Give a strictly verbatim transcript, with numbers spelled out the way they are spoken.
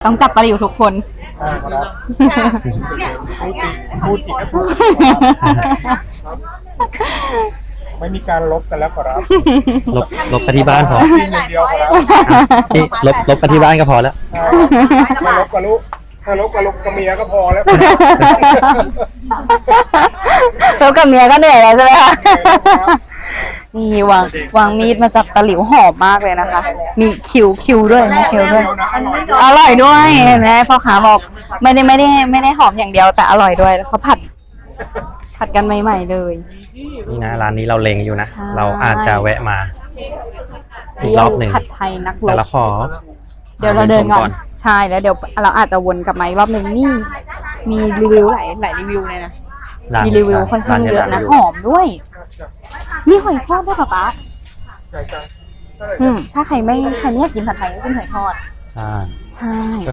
ต้องจับปลาอยู่ทุกคนใช่ครับพูดอีกพูดอีกก็พูดไม่มีการลบกันแล้วครับลบลบไปที่บ้านพอกินอย่างเดียวครับนี่ลบลบไปที่บ้านก็พอแล้วใช่ไม่ลบกับลูกถ้าลบกับลูกกับเมียก็พอแล้วแล้วกับเมียก็เหนื่อยแล้วใช่ไหมคะนี่วางวางมีดมาจับตะหลิวหอมมากเลยนะคะ มีคิวคิวด้วยมีคิวด้วย อร่อยด้วยเห็นไหมพ่อค้าบอกไม่ได้ไม่ได้ไม่ได้หอมอย่างเดียวแต่อร่อยด้วยแล้วเขาผัด ผัดกันใหม่ๆเลยนี่นะร้านนี้เราเล็งอยู่นะใช่เราอาจจะแวะมา อีกรอบหนึ่งผัดไทยนักรแต่บละขอเดี๋ยวเราเดินก่อนใช่แล้วเดี๋ยวเราอาจจะวนกลับมาอีกรอบหนึ่งนี่มีรีวิวหลายหลายรีวิวเลยนะร้านมีรีวิวค่อนข้างเยอะนะหอมด้วยมีหอยทอดด้วยป่ะป๊าอืมถ้าใครไม่ใครไม่อยากกินผัดไทยก็กินหอยทอดอ่าใช่